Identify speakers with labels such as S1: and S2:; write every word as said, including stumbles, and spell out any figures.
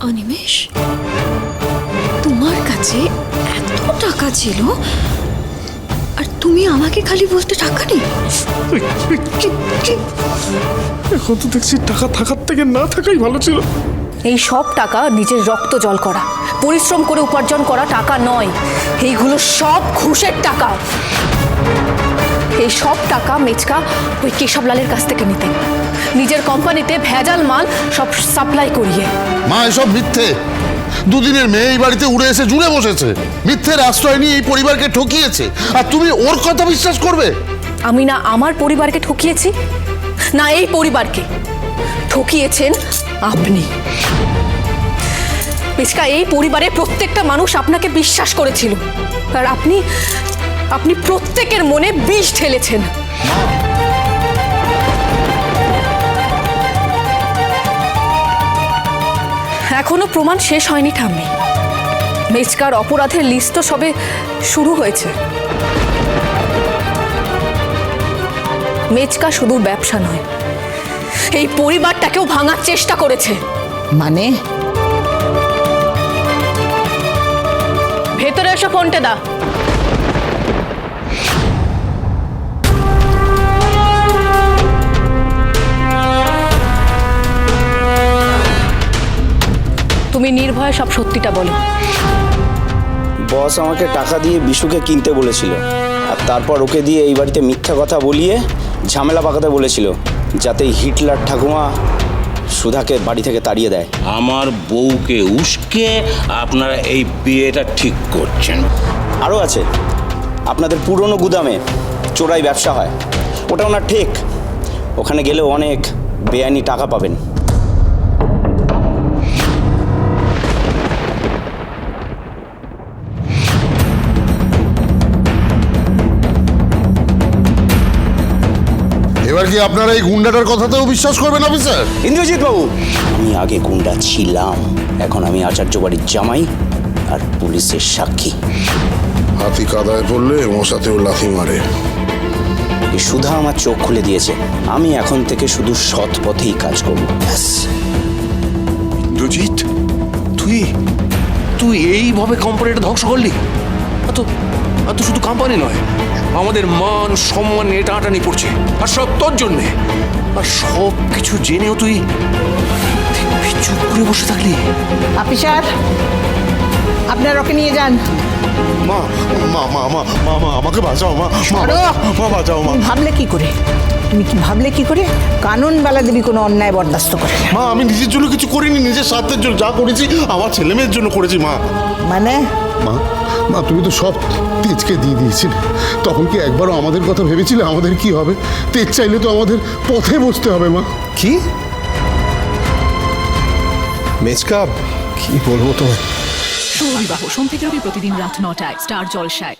S1: অনিমেষ, তোমার কাছে এত টাকা ছিল আর তুমি আমাকে খালি বলতে টাকা নেই?
S2: এখন তো দেখছি টাকা থাকার থেকে না থাকাই ভালো ছিল।
S3: এই সব টাকা নিজের রক্ত জল করা, পরিশ্রম করে উপার্জন করা টাকা নয়, এইগুলো সব ঘুষের টাকা। এই সব টাকা মেচকা ওই কেশবলালের কাছ থেকে নিতেন, নিজের কোম্পানিতে ভেজাল মাল সব সাপ্লাই করিয়ে।
S4: মা এসব মিথ্যে। দুদিনের মেয়ে এই বাড়িতে উড়ে এসে জুড়ে বসেছে, মিথ্যের আশ্রয় নিয়ে এই পরিবারকে ঠকিয়েছে, আর তুমি ওর কথা বিশ্বাস করবে?
S3: আমি না আমার পরিবারকে ঠকিয়েছি, না এই পরিবারকে ঠকিয়েছেন আপনি। মেচকা, এই পরিবারের প্রত্যেকটা মানুষ আপনাকে বিশ্বাস করেছিল, আর আপনি আপনি প্রত্যেকের মনে বিষ ঢেলেছেন। এখনো প্রমাণ শেষ হয়নি ঠাম্মি। মেচকার অপরাধের লিস্ট তো সবে শুরু হয়েছে। মেচকা শুধু ব্যবসা নয়, এই পরিবারটাকেও ভাঙার চেষ্টা করেছে।
S5: মানে?
S3: ভেতরে এসো, ফোনটা দা। তুমি নির্ভয়ে সব সত্যিটা বলো।
S6: বস আমাকে টাকা দিয়ে বিশুকে কিনতে বলেছিল, আর তারপর ওকে দিয়ে এই বাড়িতে মিথ্যা কথা বলিয়ে ঝামেলা পাকাতে বলেছিল, যাতে হিটলার ঠাকুমা সুধাকে বাড়ি থেকে তাড়িয়ে দেয়।
S7: আমার বউকে উস্কে আপনারা এই বিয়েটা ঠিক করছেন।
S6: আরও আছে, আপনাদের পুরনো গুদামে চোরাই ব্যবসা হয়, ওটা ওনার ঠিক। ওখানে গেলেও অনেক বেআইনি টাকা পাবেন।
S4: এবার কি আপনারা এই গুন্ডাটার কথাতেও বিশ্বাস করবেন অফিসার?
S6: ইন্দ্রজিৎ বাবু, আমি আগে গুন্ডা ছিলাম, এখন আমি আচার্য বাড়ির জামাই আর পুলিশের সাক্ষী।
S4: হাতি কাদায় পড়লে মশাতেও লাথি মারে।
S6: এই সুধা আমার চোখ খুলে দিয়েছে, আমি এখন থেকে শুধু সৎ পথেই কাজ করব। ব্যাস।
S2: ইন্দ্রজিৎ, তুই তুই এইভাবে কোম্পানিটা ধ্বংস করলি? আর তো আর তো শুধু কোম্পানি নয়, আমাদের মান সম্মান নিয়ে টানাটানি পড়ছে, আর সব তোর জন্যে। আর সব কিছু জেনেও তুই তুই চুপ করে বসে থাকলি।
S5: অফিসার, আপনার ওকে নিয়ে যান।
S4: মা মা মা মা মা মা আমাকে বাঁচাও, মা মা
S5: সরো।
S4: মা বাঁচাও মা।
S5: ভাবলে কি করে তুমি কি ভাবলে কি করে কানুন বেলা দেবী কোনো অন্যায় বরদাস্ত করে না।
S4: মা আমি নিজের জন্য কিছু করিনি, নিজের স্বার্থের জন্য যা করেছি আমার ছেলে মেয়ের জন্য করেছি। মা
S5: মানে?
S4: মা মা তুমি তো সব তেজকে দিয়ে দিয়েছিলে, তখন কি একবারও আমাদের কথা ভেবেছিলে আমাদের কি হবে? তেজ চাইলে তো আমাদের পথে বসতে হবে। মা
S2: কি মেচকা, কি বলবো তোমায়?
S8: শুভ বিবাহ সোম থেকে রবি প্রতিদিন রাত নটায় স্টার জলসায়।